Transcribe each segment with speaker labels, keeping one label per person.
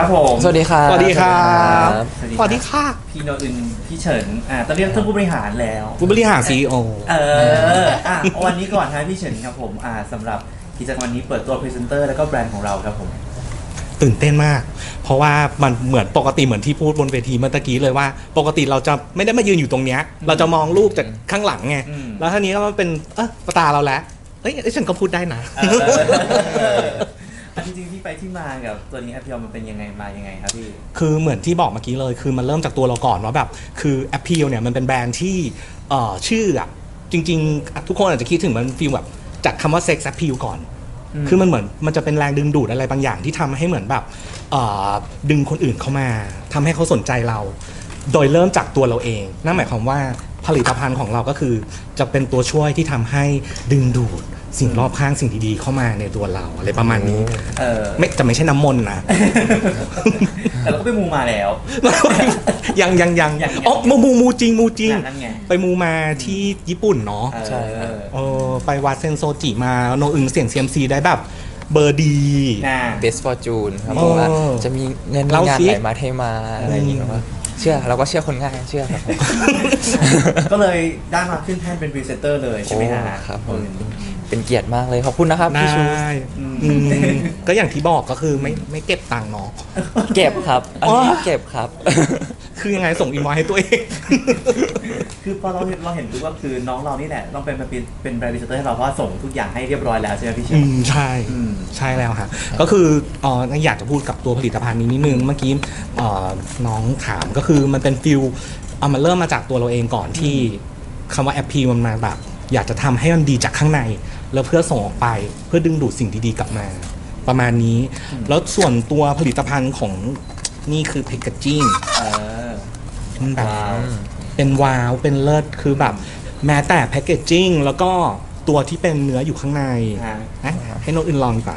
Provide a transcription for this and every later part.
Speaker 1: ครับผม
Speaker 2: สวัสดีครับ
Speaker 3: สวัสดีครับ
Speaker 1: สวัสดีค่ะพี่โนอึนพี่เฉินตอนเรียกท่านผู้บริหารแล้ว
Speaker 3: ผู้บริหาร CEO
Speaker 1: วันนี้ก่อนนะพี่เฉินครับผมสำหรับกิจกรรมวันนี้เปิดตัวพรีเซนเตอร์แล้วก็แบรนด์ของเราครับผม
Speaker 3: ตื่นเต้นมาก เพราะว่ามันเหมือนปกติเหมือนที่พูดบนเวทีเมื่อตะกี้เลยว่า ปกติเราจะไม่ได้มายืนอยู่ตรงเนี้ยเราจะมองลูกจากข้างหลังไงแล้วทีนี้ก็มาเป็นตาเราแล้วฉันก็พูดได้นะ
Speaker 1: จริงๆที่ไปที่มากับตัวนี้แอปเปิลมันเป็นยังไงมายังไงครับพี่
Speaker 3: คือเหมือนที่บอกเมื่อกี้เลยคือมันเริ่มจากตัวเราก่อนว่าแบบคือแอปเปิลเนี่ยมันเป็นแบรนด์ที่ชื่อจริงๆทุกคนอาจจะคิดถึงมันฟีลแบบจากคำว่าเซ็กซ์แอปเปิลก่อนคือมันเหมือนมันจะเป็นแรงดึงดูดอะไรบางอย่างที่ทำให้เหมือนแบบดึงคนอื่นเข้ามาทำให้เขาสนใจเราโดยเริ่มจากตัวเราเองนั่นหมายความว่าผลิตภัณฑ์ของเราก็คือจะเป็นตัวช่วยที่ทำให้ดึงดูดสิ่งรอบข้างสิ่งดีๆเข้ามาในตัวเราอะไรประมาณนี้ไม่ใช่น้ำมนต์นะ
Speaker 1: แต่เราก็ไปมูมาแล้ว
Speaker 3: ยังอ๋อมูจริงไปมูมาที่ญี่ปุ่นเนาะ
Speaker 2: ใช่
Speaker 3: ไปวัดเซนโซจิมาโนอึงเสี่ยงเซียมซีได้แบบเบอร์ดี
Speaker 2: Best Fortune ครับผมว่าจะมีเงินงานไหลมาเทมาอะไรอย่างเงี้ยว่าเชื่อเราก็เชื่อคนง่ายเชื่อครับ
Speaker 1: ก็เลยได้มาขึ้นแท่นเป็นพรีเซนเตอร์เลยใช่ไหมฮะ
Speaker 2: ครับเป็นเกียรติมากเลยขอบคุณนะครับพี่ชู
Speaker 3: ก็อย่างที่บอกก็คือไม่เก็บตังค์เนาะ
Speaker 2: เก็บครับอันนี้เก็บครับ
Speaker 3: คือยังไงส่งอินวอยให้ตัวเอง
Speaker 1: คือพอเราเห็นปุ๊บก็คือน้องเรานี่แหละต้องเป็นแบรนด์พรีเซนเตอร์ให้เราเพราะว่าส่งทุกอย่างให้เรียบร้อยแล้วใช่ไหมพี่เชน
Speaker 3: ใช่แล้วค่ะก็คืออยากจะพูดกับตัวผลิตภัณฑ์นี้นิดนึงเมื่อกี้น้องถามก็คือมันเป็นฟิลมันเริ่มมาจากตัวเราเองก่อนที่คำว่าแอปพีมันมาแบบอยากจะทำให้มันดีจากข้างในแล้วเพื่อส่งออกไปเพื่อดึงดูดสิ่งดีๆกลับมาประมาณนี้แล้วส่วนตัวผลิตภัณฑ์ของนี่คือแพคเกจจิ้งมันแบบเป็นว้าวเป็นเลิศคือแบบแม้แต่แพคเกจจิ้งแล้วก็ตัวที่เป็นเนื้ออยู่ข้างในนะให้นกอื่นลองดีกว่า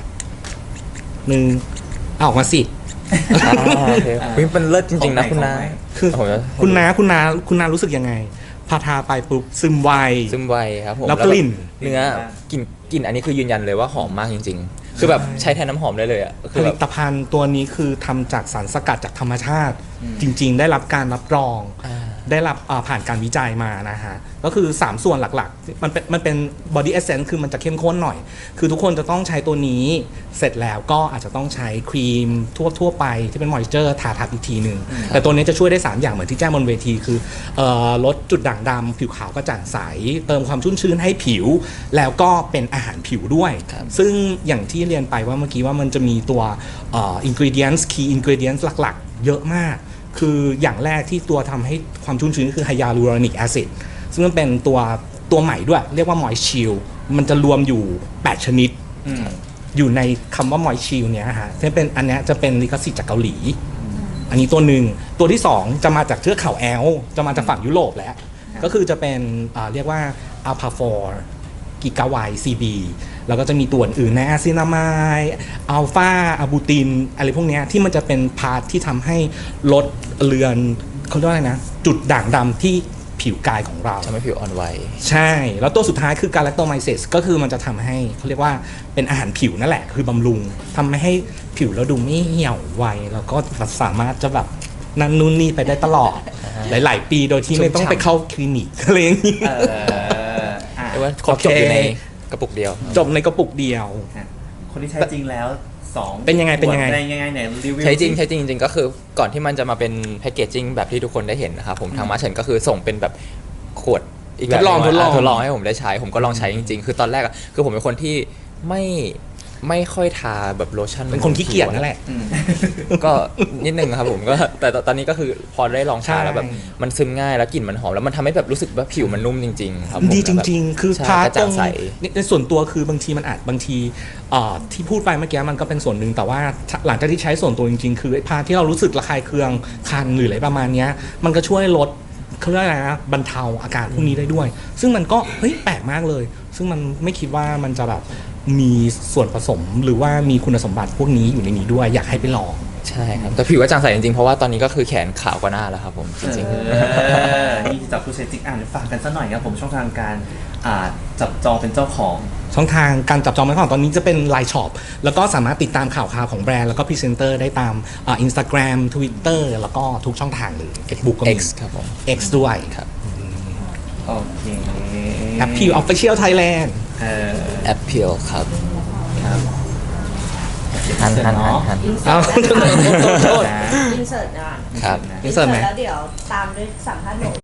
Speaker 3: ออกมาสิ
Speaker 2: เป็นเลิศจริงๆนะคุณน้า
Speaker 3: คือคุณน้ารู้สึกยังไงพาทาไปปุ๊บซึมไว
Speaker 2: ครับผม
Speaker 3: แล้วกลิ่น
Speaker 2: เนื้อกลิ่นอันนี้คือยืนยันเลยว่าหอมมากจริงๆคือแบบใช้แทนน้ำหอมได้เลยอ่ะ
Speaker 3: ผลิตภัณฑ์ตัวนี้คือทำจากสารสกัดจากธรรมชาติจริงๆได้รับการรับรองได้รับผ่านการวิจัยมานะฮะก็คือ3ส่วนหลักๆมันเป็น body essence คือมันจะเข้มข้นหน่อยคือทุกคนจะต้องใช้ตัวนี้เสร็จแล้วก็อาจจะต้องใช้ครีมทั่วไปที่เป็น moisture ทาทับอีกทีนึงแต่ตัวนี้จะช่วยได้3อย่างเหมือนที่แจ้งบนเวทีคือลดจุดด่างดำผิวขาวกระจ่างใสเติมความชุ่มชื้นให้ผิวแล้วก็เป็นอาหารผิวด้วยซึ่งอย่างที่เรียนไปว่าเมื่อกี้ว่ามันจะมีตัวingredients key ingredients หลักๆเยอะมากคืออย่างแรกที่ตัวทำให้ความชุ่มชื้นคือไฮยาลูรอนิกแอซิดซึ่งมันเป็นตัวใหม่ด้วยเรียกว่า Moist Shield มันจะรวมอยู่8ชนิดอยู่ในคำว่า Moist Shield เนี้ยฮะที่เป็นอันเนี้ยจะเป็นลิขสิทธิ์จากเกาหลีอันนี้ตัวหนึ่งตัวที่2จะมาจากเทือกเขาแอลป์จะมาจากฝั่งยุโรปแล้วก็คือจะเป็นเรียกว่า Alpha 4 กิกาไว CB แล้วก็จะมีตัวอื่นในอะซินามายอัลฟาอะบูตินอะไรพวกนี้ที่มันจะเป็นพาร์ทที่ทำให้ลดเลือนเขาเรียกว่าอะไรนะจุดด่างดำที่ผิวกายของเรา
Speaker 2: ทำให้ผิวอ่อนไหว
Speaker 3: ใช่แล้วตัวสุดท้ายคือการแลคโตไมเซสก็คือมันจะทำให้เขาเรียกว่าเป็นอาหารผิวนั่นแหละคือบำรุงทำให้ผิวเราดูไม่เหี่ยวไวแล้วก็สามารถจะแบบนั่นนู่นนี่ไปได้ตลอดหลายๆปีโดยที่ไม่ต้องไปเข้าคลินิกอะไรอย่างนี้
Speaker 2: ว่าครบจบอยู่ในกระปุกเดียว
Speaker 3: จบในกระปุกเดียว
Speaker 1: คนที่ใช้จริงแล้ว2
Speaker 3: เป็นยังไง
Speaker 1: เนี่ยรีวิว
Speaker 2: ใช้จริงก็คือก่อนที่มันจะมาเป็นแพคเกจจิ้งแบบที่ทุกคนได้เห็นนะครับผมทางมาเฉินก็คือส่งเป็นแบบขวดอีกแบบทดลองให้ผมได้ใช้ผมก็ลองใช้จริงๆคือตอนแรกคือผมเป็นคนที่ไม่ค่อยทาแบบโลชั่น
Speaker 3: เป็นคนขี้เกียจนั่นแหละ
Speaker 2: ก็นิดนึงครับผมก็แต่ตอนนี้ก็คือพอได้ลองทาแล้วแบบมันซึมง่ายแล้วกลิ่นมันหอมแล้วมันทำให้แบบรู้สึกว่าผิวมันนุ่มจริงๆครับ
Speaker 3: ดีจริงๆคือพาตรงในส่วนตัวคือบางทีมันอาจบางทีที่พูดไปเมื่อกี้มันก็เป็นส่วนหนึ่งแต่ว่าหลังจากที่ใช้ส่วนตัวจริงๆคือพาที่เรารู้สึกระคายเคืองคันหรืออะไรประมาณนี้มันก็ช่วยลดเขาเรียกอะไรนะบรรเทาอาการพวกนี้ได้ด้วยซึ่งมันก็เฮ้ยแปลกมากเลยซึ่งมันไม่คิดว่ามันจะแบบมีส่วนผสมหรือว่ามีคุณสมบัติพวกนี้อยู่ในนี้ด้วยอยากให้ไปลอง
Speaker 2: ใช่ครับแต่ผิวก็จางใสจริงๆเพราะว่าตอนนี้ก็คือแขนขาวกว่าหน้าแล้วครับผมจริง
Speaker 1: ๆนี่จากผู้ใช้จริงฝากกันสักหน่อยครับผมช่องทางการจับจองเป็นเจ้าของ
Speaker 3: ช่องทางการจับจองเป็นของตอนนี้จะเป็น Line Shop แล้วก็สามารถติดตามข่าวของแบรนด์แล้วก็พรีเซนเตอร์ได้ตามInstagram Twitter แล้วก็ทุกช่องทางเลย Facebook ก็มี
Speaker 2: X ครับผม
Speaker 3: X ด้วย
Speaker 2: ครับ
Speaker 1: โอเค
Speaker 3: Appeal Official Thailand
Speaker 2: แอปเพียวครับ
Speaker 1: ครับ
Speaker 2: หัน
Speaker 3: เอา โทษ
Speaker 1: นะ
Speaker 4: อินเสิร์ตนะ
Speaker 2: ครับ
Speaker 4: อินเสิร์ตแล้วเดี๋ยวตามด้วยสัมภาษณ์หนู